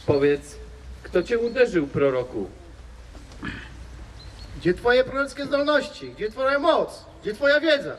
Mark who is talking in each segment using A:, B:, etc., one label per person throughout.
A: Powiedz, kto cię uderzył, proroku?
B: Gdzie twoje prorockie zdolności? Gdzie twoja moc? Gdzie twoja wiedza?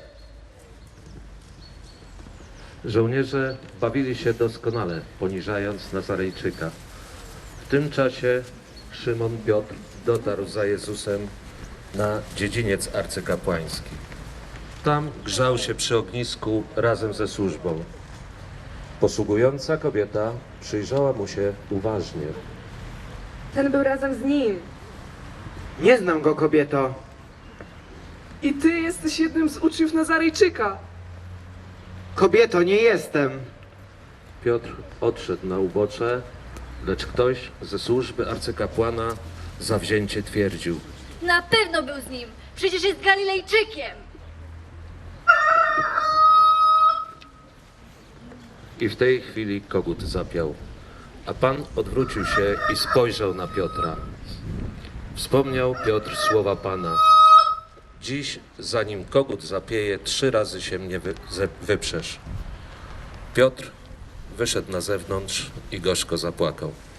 C: Żołnierze bawili się doskonale, poniżając Nazarejczyka. W tym czasie Szymon Piotr dotarł za Jezusem na dziedziniec arcykapłański. Tam grzał się przy ognisku razem ze służbą. Posługująca kobieta przyjrzała mu się uważnie.
D: Ten był razem z nim.
E: Nie znam go, kobieto.
D: I ty jesteś jednym z uczniów Nazarejczyka.
E: Kobieto, nie jestem.
C: Piotr odszedł na ubocze, lecz ktoś ze służby arcykapłana zawzięcie twierdził.
F: Na pewno był z nim. Przecież jest Galilejczykiem.
C: I w tej chwili kogut zapiał, a Pan odwrócił się i spojrzał na Piotra. Wspomniał Piotr słowa Pana. Dziś, zanim kogut zapieje, 3 razy się mnie wyprzesz. Piotr wyszedł na zewnątrz i gorzko zapłakał.